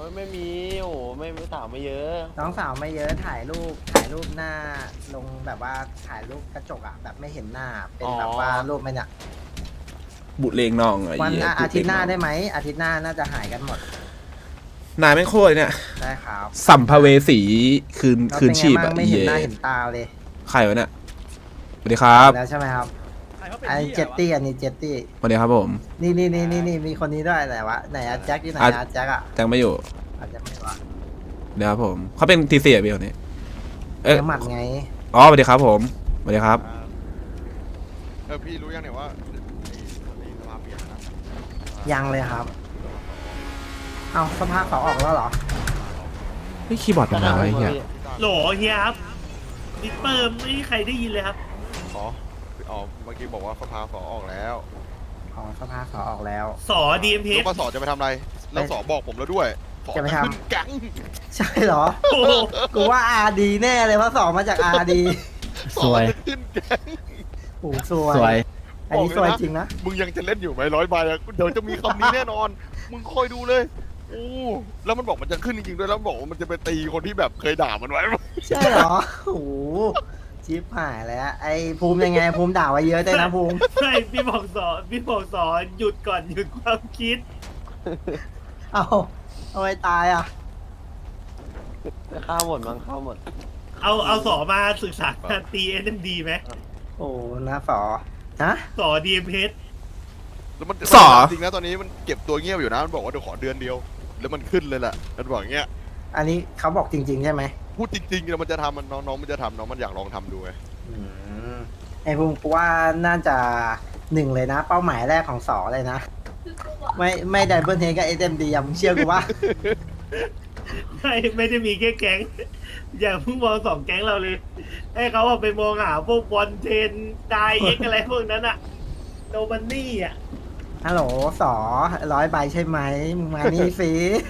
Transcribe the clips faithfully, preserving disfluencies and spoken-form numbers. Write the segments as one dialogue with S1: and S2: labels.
S1: ยไม่มีโอ้ไม่ไม่สาวไม่เยอะ
S2: น้องสาวไม่เยอะถ่ายรูปถ่ายรูปหน้าลงแบบว่าถ่ายรูปกระจกอ่ะแบบไม่เห็นหน้าเป็นแบบว่ารูปไม่เนี่ย
S3: บุเลงน้องไอ้
S2: วัน
S3: เหี้ย
S2: อ่ะ
S3: บุ
S2: อาทิตย์หน้า
S3: เลง
S2: ได้ไหมอาทิตย์หน้าน่าจะหายกันหมด
S3: นายแม่งโคตรเนี่ย
S2: ได้ครับ
S3: สัมภเวสีคืน
S2: แล้ว
S3: คืน
S2: เป็นไง
S3: ชีพ
S2: บ้า
S3: อะ
S2: งไม่เห็น
S3: เหี้ย
S2: หน้าเห็นตาเลย
S3: ใครวะเนี่ยสวัสดีครับ
S2: แล้วใช่ไหมครับอันนี้เจตตี้อันนี้เจตตี้
S3: สวัสดีครับผม
S2: นี่นี่นี่นี่นี่มีคนนี้ด้วยไหนวะไหนอะแจ็คที่ไหน
S3: อ่ะ
S2: อะแจ็คอะ
S3: จังไม่อยู่
S2: อาจจะไม่วะ
S3: เดี๋ยวครับผมเขาเป็นทีเสียพี่คนนี้เอ๊ะ
S2: เนื้อหมัดไง
S3: อ๋อสวัสดีครับผมสวัสดีครับ
S4: เออพี่รู้ยังเนี่ยว่านี่สภาพเปลี่ยนนะ
S2: ยังเลยครับ เอาสภาพเขาออกแล้วเหรอ
S3: เฮ้ยคีย์บอร์ดเป็นอะไรเงี้ย
S5: โหลเฮียครับดิปเปอร์ไม่มีใครได้ยินเลยครับ
S4: ขออ๋อเมื่อกี้บอกว่าสภาสอออกแล้ว
S2: อ๋อสภาพเขาออกแล้ว
S5: สอดีเอ็มเพ
S4: แล้วปสจะไปทำอะไรแล้วสอบอกผมแล้วด้วยสอ
S2: จะไปทำ
S4: ขึ้นแก๊ง
S2: ใช่เหรอ
S5: โอ้โห
S2: กูว่าอาดีแน่เลยเพราะสองมาจากอาดี
S4: สอจะขึ้นแก๊ง
S2: โอ้สวย
S3: สวย
S2: อันนี้สวยจริงนะ
S4: มึงยังจะเล่นอยู่ไหมร้อยใบอะเดี๋ยวจะมีคำนี้แน่นอน มึงคอยดูเลยโอ้แล้วมันบอกมันจะขึ้นจริงๆด้วยแล้วมันบอกว่ามันจะไปตีคนที่แบบเคยด่ามันไว้
S2: ใช่เหรอ โอ้โหชิปหายแล้วไอ้ภูมิยังไงภูมิด่าไว้เยอะด้วยนะภูมิ
S5: ใช่พี่บอกสอพี่บอกสอหยุดก่อนหยุดความคิด
S2: เอาเอาไว้ตายอ่ะ
S1: ข้าวหมดมั้งข้าวหมด
S5: เอาเอาสอมาศึกษาการตีเอ็มดีไหม
S2: โอ้นะฝอฮะ
S5: สอดีเอ็มเพ
S4: แล้วมัน
S3: สอ
S4: จริงนะตอนนี้มันเก็บตัวเงียบอยู่นะมันบอกว่าเดี๋ยวขอเดือนเดียว แล้วมันขึ้นเลยแหละมันบอกอย่างเงี้ย
S2: อันนี้เขาบอกจริง ๆ ใช่ไหม
S4: พูดจริงๆแล้วมันจะทำมันน้องๆมันจะทำน้องมันอยากลองทำดูไง
S2: อืมไอ้ภูมิกูว่าน่าจะหนึ่งเลยนะ เป้าหมายแรกของสอเลยนะ ไม่ไม่ไดเบิลเฮกับเอ็มดียังเชื่อกูว่า
S5: ไม่ไม่ได้มีแค่แก๊ง อย่าเพิ่งมองสองแก๊งเราเลย ให้เขาเอาไปมองหาพวกบอลเทนไดเอ็กอะไรพวกนั้นอะโนมันนี่อะ
S2: ฮัลโหลสอร้อยใบใช่ไหมมึงมานี่สิ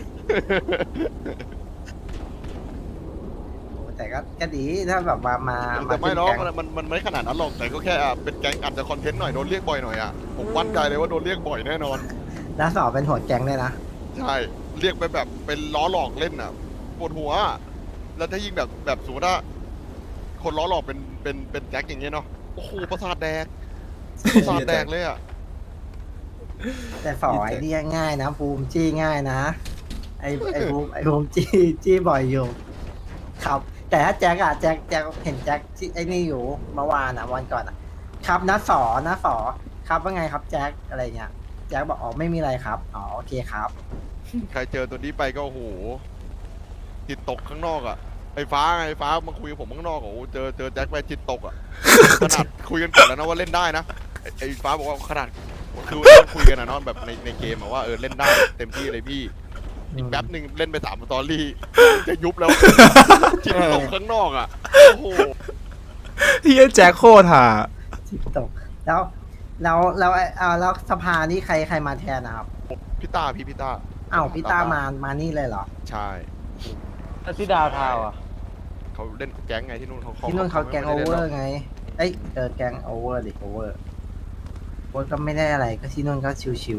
S2: โอ้แต่ก็ก็ดีถ้าแบบว่ามามา
S4: แต่ไม่หรอก
S2: ขึ้น
S4: มัน
S2: แก๊ง
S4: มันมันไม่ขนาดนั้นหรอกแต่ก็แค่อ่ะเป็นแก๊งอาจจะคอนเทนต์หน่อยโดนเรียกบ่อยหน่อยอ่ะผมมั่นใจเลยว่าโดนเรียกบ่อยแน่นอน
S2: แล้วสอเป็นหัวแก๊งด้วยนะ
S4: ใช่เรียกไปแบบเป็นล้อหลอกเล่นอ่ะปวดหัวอะแล้วถ้ายิ่งแบบแบบสมมติว่าคนล้อหลอกเป็นเป็นเป็นแจ็คอย่างเงี้ยเนาะโอ้โหประสาทแดกประสาทแดกเลยอ่ะ
S2: แต่สอไอ้นี่ง่ายนะภูมิจี้ง่ายนะไอ้ไอ้ภูมิไอ้ภูมิจี้จี้บ่อยอยู่ครับ แต่ถ้าแจ็คอะแจ็คแจ็คเห็นแจ็คที่ไอ้นี่อยู่เมื่อวานอะวันก่อนอะครับนะสอนะสอครับว่าไงครับแจ็คอะไรเงี้ยแจ็คบอกอ๋อไม่มีอะไรครับอ๋อโอเคครับ
S4: ใครเจอตัวนี้ไปก็โอ้โหจิตตกข้างนอกอ่ะไอ้ฟ้าไงไอ้ฟ้ามาคุยกับผมข้างนอกอ่ะโอ้โหเจอเจอแจ็คไปจิตตกอ่ะ ขนาดคุยกันก่อนแล้วนะว่าเล่นได้นะไอ้ไอ้ฟ้าบอกว่าขนาดคือต้องคุยกันนะเนอนแบบในในเกมอะว่าเออเล่นได้เต็มที่เลยพี่อีกแป๊บหนึ่งเล่นไปสามสตอรี่จะยุบแล้ว จิตตกข้างนอกอ่ะโอ้โห
S3: เฮียแจ็คโคตรห่า
S2: จิตตกแล้วแล้วแล้วไอ้อ่าแล้วสภานี่ใครใครมาแทนนะครับ
S4: พี่ตาพี่พี่ตา
S2: อ้าวพี่ต้ามามานี่เลยเหรอ
S4: ใช่
S1: แล้วที่ดาวทาวน์อ่ะ
S4: เขาเล่นแก๊งไงที่นู่นเขา
S2: ที่นู่นเขาแกงโอ
S4: ไม่
S2: เว
S4: ได้
S2: อ
S4: ล่นห
S2: ร์ไงเอ้ยเออแกงโอเวอร์ดิโอเวอร์โวก็ไม่ได้อะไรก็ที่นู่นก็ชิว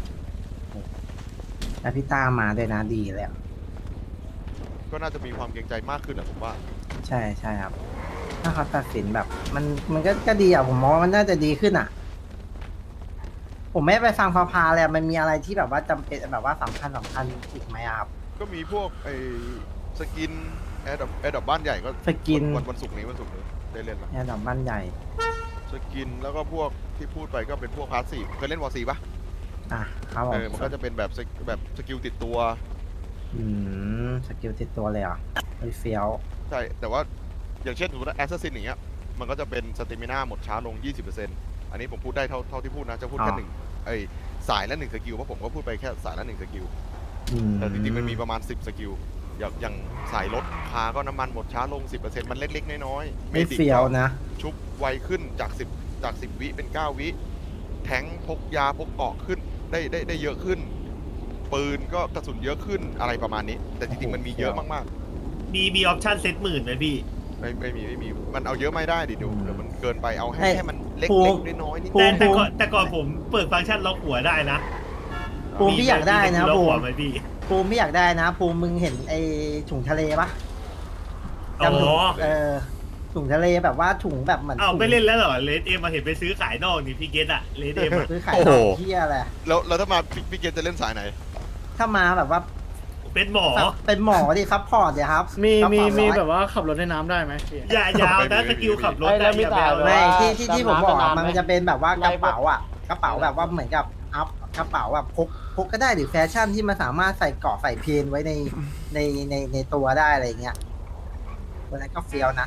S2: ๆแล้วพี่ต้ามาด้วยนะดีแล้ว
S4: ก็น่าจะมีความเกรงใจมากขึ้นแหละผมว่า
S2: ใช่ใช่ครับ ถ้าเขาตัดสินแบบ มันมันก็ก็ดีอ่ะผมมองว่ามันน่าจะดีขึ้นอ่ะ ผมไม่ไปฟังพาพาเลยอะมันมีอะไรที่แบบว่าจำเป็นแบบว่าสำคัญสำคัญอีกไหมอะครับ
S4: ก็มีพวกไอ้สกินแอร์ดอปแอร์ดอปบ้านใหญ่ก็
S2: สกิน
S4: วันวันศุกร์นี้วันศุกร์นี้ได้เล่นละ
S2: เนี่ยดอกบ้านใหญ่
S4: สกินแล้วก็พวกที่พูดไปก็เป็นพวกพาสซีฟเคยเล่นวอร์ซีปะ
S2: อ่ะครับผ
S4: เอ
S2: ม
S4: อมันก็จะเป็นแบบสกแบบสกิลติดตัว
S2: อืมสกิลติดตัวเลยเหรอ่ะไอ้เฟี้ยว
S4: ใช่แต่ว่าอย่างเช่นสมมติแอสซัสซินอย่างเงี้ยมันก็จะเป็นสเตมิน่าหมดช้าลง ยี่สิบเปอร์เซ็นต์ อันนี้ผมพูดได้เท่าเท่าที่พูดนะจะพูดแค่หนึ่งไอ้สายละหนึ่งสกิลเพราะผมก็พูดไปแค่สายละหนึ่งสกิล
S2: อืม
S4: แต่จริงๆมันมีประมาณสิบสกิลอย่างอย่างสายรถคาก็น้ำมันหมดช้าลง สิบเปอร์เซ็นต์ มันเล็กๆน้อยๆ
S2: ไม่
S4: ดิ
S2: เฟี้ยวนะ
S4: ชุบไวขึ้นจากสิบจากสิบวิเป็นเก้าวิแทงค์พกยาพกเกราะขึ้นได้ได้ได้เยอะขึ้น ปืนก็กระสุนเยอะขึ้นอะไรประมาณนี้ แต่จริงๆมันมีเยอะมาก
S5: มีมีออปชั่นเซตหมื่นไหมพี่
S4: ๆไม่ไม่มีไม่มีมันเอาเยอะไม่ได้ดิเดี๋ยวเดี๋ยวมันเกินไปเอาให้
S2: เอ้ย
S4: แค่มันเล็
S2: ภู
S4: ก
S2: มิ
S4: ๆน้อยๆนิด
S2: ภู
S5: แต่
S2: มิ
S5: แต่ก่อนแต่ก่อนผมเปิดฟังก์ชันล็อกหัวได้นะ
S2: ภูมิพี่อยากได้นะ
S5: ล็อก
S2: ภู
S5: หัว
S2: มิ
S5: ไหมพี่
S2: ภูมิไม่อยากได้นะภูมิมึงเห็นไอ้ถุงทะเลปะ
S5: อ๋
S2: จำถุง
S5: อ
S2: เออถุงทะเลแบบว่าถุงแบบเหมือน
S5: อ้าว
S2: ถุง
S5: ไม่เล่นแล้วเหรอเลดเอ็มมาเห็นไปซื้อขายนอกนี่พี่เกตอะเลดเอ็มอะ
S2: ซื้อขาย
S4: โอ้
S2: น
S4: โห
S2: อกเที่ยอะไร
S4: แล้วแล้วถ้ามาพี่พี่เกณฑ์จะเล่นสายไหน
S2: ถ้ามาแบบว่า
S5: เป็นหมอ
S2: เป็นหมอดิซัพพอร์ตเลยครับ
S6: มี
S2: ซัพ
S6: มี
S2: พอร์ต
S6: มี
S2: ร้อย
S6: แบบว่าขับรถในน้ำได้ไหมพี่
S5: อย่าอยาวนะสกิลขับรถ
S1: ไอ้แล้วมี
S5: อย่า
S1: แต่
S5: แบว
S1: แบบ
S2: ไม่
S1: ว่า
S2: ที่ที่ที่ผมบอกอะ
S1: ดำน้ำ
S2: มันจะเป็นแบบว่ากระเป๋า
S1: ไล่พวก
S2: อ่ะกระเป๋าแบบว่าเหมือนกับอัพกระเป๋าแบบพกพกก็ได้หรือแฟชั่นที่มันสามารถใส่เกราะใส่เพนไว้ในในในในตัวได้อะไรอย่างเงี้ยวันนั้นก็เฟี้ยวนะ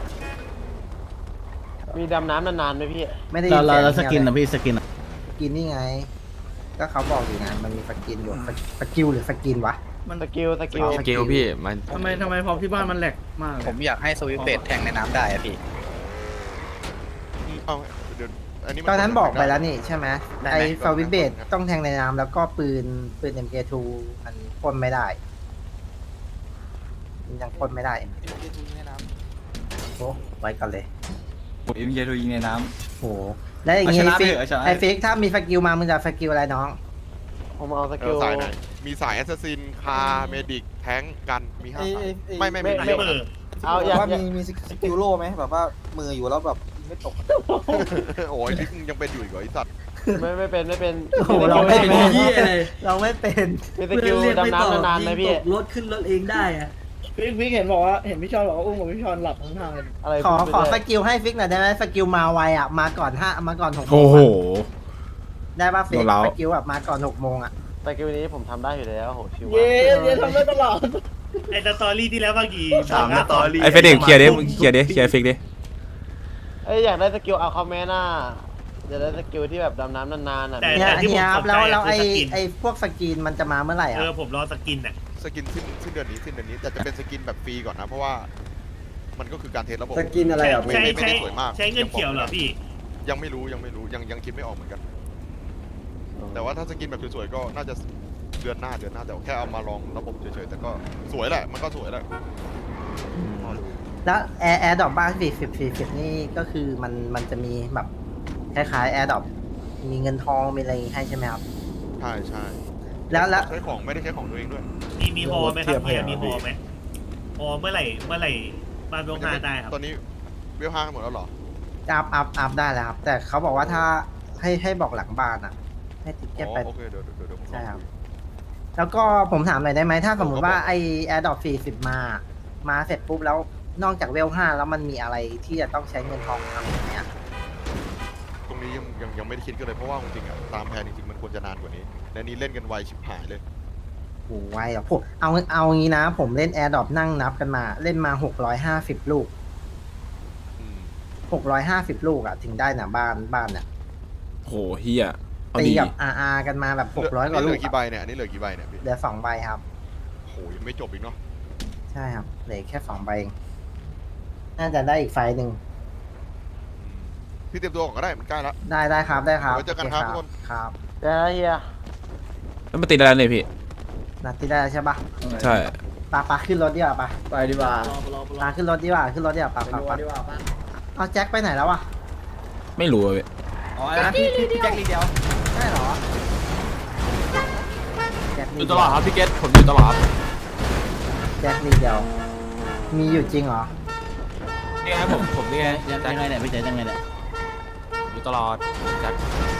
S1: มีดำน้ำนานๆไหมพี่
S2: ไม่ได้
S7: เราเราเรา
S2: ยิ
S7: ส
S2: น
S7: กิน
S2: เสียง
S7: นะพี่สกินอะ
S2: สกินนี่ไง ก็เขาบอกอยู่ไงมันมีสกินอยู่สสกิลหรือสกินวะ
S6: มัน
S1: สกิลสกิล
S2: สกิลพี่มัน
S6: ทำไมทำไมพอที่บ้านมันแหลกมากเลย
S8: ผมอยากให้สวิตช์เบรดแทงในน้ำได้อะพี่
S4: เอาเดี๋ยวอันนี้มั
S2: ตอนนั้นบอกไปแล้วนี่ใช่ไหม
S8: ได้ไหม
S2: ไอ้ฟาวิเบตต้องแทงในน้ำแล้วก็ปืนปืน เอ็ม เค ทู มันพ่นไม่ได้มันยังพ่นไม่ได้โอ้ไว้ก่อนเลย
S7: เอ็มเจทูยิงในน้
S2: โหแล้วอย่างงี้
S7: เอาชนะ
S2: ฟิก
S7: ไปเถอะเอาชนะ
S2: ไอ้ฟิกถ้ามีสกิลมามึงจะสกิลอะไรน้อง
S1: ผมเอาส
S4: เอ
S1: กิ
S4: อ
S1: ล
S4: สายไหนมีสายแอสซัสซินคาเมดิกแทงกันมีห้าสายไม่ไม่
S1: ไม่
S4: ไม่
S1: ไม่
S4: ไม่
S5: เออ
S1: เอาอยาก
S8: ว่า
S1: อยา
S8: มี
S1: ก
S8: มีสกิลโล่ไหมแบบว่ามืออยู่แล้วแบบไม่ตก
S4: โอ้ยลิกยังเป็นอยู่อีกเหรอไอสัตว์
S1: ไม่ไม่เป็นไม่เป็น
S2: โอ้โห
S1: มีส
S2: เรา
S1: กิล
S2: ไม่
S1: ให้
S2: เป็น
S1: ไหม
S2: เราไม่เป็น
S1: มีสกิลดำน้ำนานๆไหมพี่
S6: รถขึ้นรถเองได้อะพี่พี่เห็นบอกว่าเห็นพี่ชอนบอกว่าอุ้มกับพี่ชอนหลับทั้งทางเลย
S1: อะไร
S2: ขอ
S1: พูด
S2: ขอ
S1: ไป
S2: ส
S1: เรื่ย
S2: กิลให้ฟิกหน่อยได้ไหมสกิลมาไวอ่ะมาก่อนห้ามาก่อนหกโม
S3: โอ้
S2: ง
S3: โห
S2: อะได้ป่ะฟิก
S3: โดนเรา
S2: สกิลแบบมาก่อนหกโมงอ่ะ
S1: สกิลนี้ผมทำได้อยู่แล้วโหชิว
S6: เย้
S1: มาก
S6: เย้ทำได้ตลอด
S5: ไอ้สตอรี่ที่แล้วเมื่อกี้
S7: ำสามสตอรี่
S3: ไอ้เฟเด็กเคลียร์ดิมึงเคลียร์ดิเคลียร์ฟิกดิ
S1: เอ้ยอยากได้สกิลเอาคอมเมนต์น่ะอยากได้สกิลที่แบบดำน้ำนานๆอ่ะ
S5: แต่
S2: เนี่ย
S5: แต่ที่ผ
S2: เฮี
S5: ม
S2: ยค
S5: ส
S2: รับ
S5: นใจ
S2: แล้วแล้ว
S5: อะ
S2: ไอ้
S5: คือสกิน
S2: ไอ้พวกสกินมันจะมาเมื่อไหร่
S5: เอ
S2: อ่ะ
S5: อผมรอสกินอะ
S4: สกินสิ้นสิ้นเดือนนี้สิ้นเดือนนี้แต่จะเป็นสกินแบบฟรีก่อนนะ เพราะว่ามันก็คือการเทสระบบ
S2: สกินอะไรอ่ะ
S4: ไม่
S5: ใช้
S4: ไม่ไม่
S5: ใช้
S4: ได้สวยมาก
S5: ใช้เงินเขียวเหรอพี่
S4: ยังไม่รู้ยังไม่รู้ยังยังคิดไม่ออกเหมือนกัน แต่ว่าถ้าสกินแบบสวยๆก็น่าจะเดือนหน้าเดือนหน้าแต่แค่เอามาลองระบบเฉยๆแต่ก็สวยแหละมันก็สวยแหละ
S2: แล้วแอร์แอร์ดรอปบ้านสี่สิบสี่สิบนี่ก็คือมันมันจะมีแบบคล้ายๆแอร์ดรอปมีเงินทองมีอะไรอย่างงี้ให้ใช่ไหมครับ
S4: ใช่ใช่
S2: แล้วแล้ว
S4: ใช้ของไม่ได้ใช้ของตัวเองด้วย
S5: มีมีฮอไหมครับเฮียมีฮอไหมฮอเมื่อไหร่เมื่อไหร่บ้านลงหาได้ครับ
S4: ตอนนี้เวลห้าหมดแล้วเหรอ
S2: อัพอัพอัพได้แล้วครับ แต่เขาบอกว่าถ้าให้ให้บอกหลังบ้านอ่ะ ให้ติ๊กเก็ต
S4: อ๋อ
S2: ไป
S4: โอเคเดี๋ยวเดี๋ยวเดี๋ยวผมล
S2: ใช่
S4: อง
S2: ครับ
S4: ดู
S2: แล้วก็ผมถามหน่อยได้ไหมถ้าสมมติว่า
S4: ผมก็บอก
S2: ไอแอร์ดรอปสี่สิบมา มาเสร็จปุ๊บแล้วนอกจากเวลห้าแล้วมันมีอะไรที่จะต้องใช้เงินทองทำอย่างเนี้ย
S4: ตรงนี้ยังยังยังไม่ได้คิดกันเลยเพราะว่าจริงๆอ่ะตามแผนจริงๆมันควรจะนานกว่านี้และนี้เล่นกันไวชิบหายเลย
S2: โอ้ไวอ่ะผมเอาเอางี้นะ ผมเล่นแอร์ดรอปนั่งนับกันมา เล่นมาหกร้อยห้าสิบลูก
S4: อืม
S2: หกร้อยห้าสิบลูกอ่ะถึงได้นะบ้านบ้านเนี่ย
S3: โหเฮียเอา
S2: ตี
S3: ดี
S2: กับอาร์กันมาแบบหกร้อยกว่า
S4: เห
S2: ลู
S4: ลื
S2: ก
S4: อกี่ใบเนี่ยอันนี้เหลือกี่ใบเนี่ยพี่
S2: เหลือสองใบครับ
S4: โหยังไม่จบอีกเนาะ
S2: ใช่ครับเหลือแค่สองใบเองน่าจะได้อีกไฟล์หนึ่ง
S4: อืมพี่เตรียมตัวก่อนก็ได้มันใกล้แล้ว
S2: ได้ได้ครับได้ครับ
S4: ไว้เจอกันครับ
S2: โ
S4: ทุกคน
S2: ครับ
S1: เดี๋ยวนะเฮีย
S3: แล้วมันติดอะไรเนี่ยพี่
S2: นัดที่ได้ใช่ปะ
S3: ใช่
S2: ปาปาขึ้นรถดีกว่าปะ
S7: ไปดีกว่า
S2: ปาขึ้นรถดีกว่าขึ้นรถดีกว่าปาปาปาเอาแจ็คไปไหนแล้ววะ
S3: ไม่รู้อะพี่
S7: อ๋อนะพี่พี่แจ็คลีเดียว
S2: ใช่เหรอแจ็ค
S7: อ
S2: นี่
S7: ยู่ตลอดครับพี่เกตผมอยู่ตลอด
S2: แจ็คนี่เดียว มีอยู่จริงเหรอ
S7: นี่ไงผมผมนี่ไงยังไงเนี่ยพี่เจยังไงเนี่ยอยู่ตลอดแจ็ค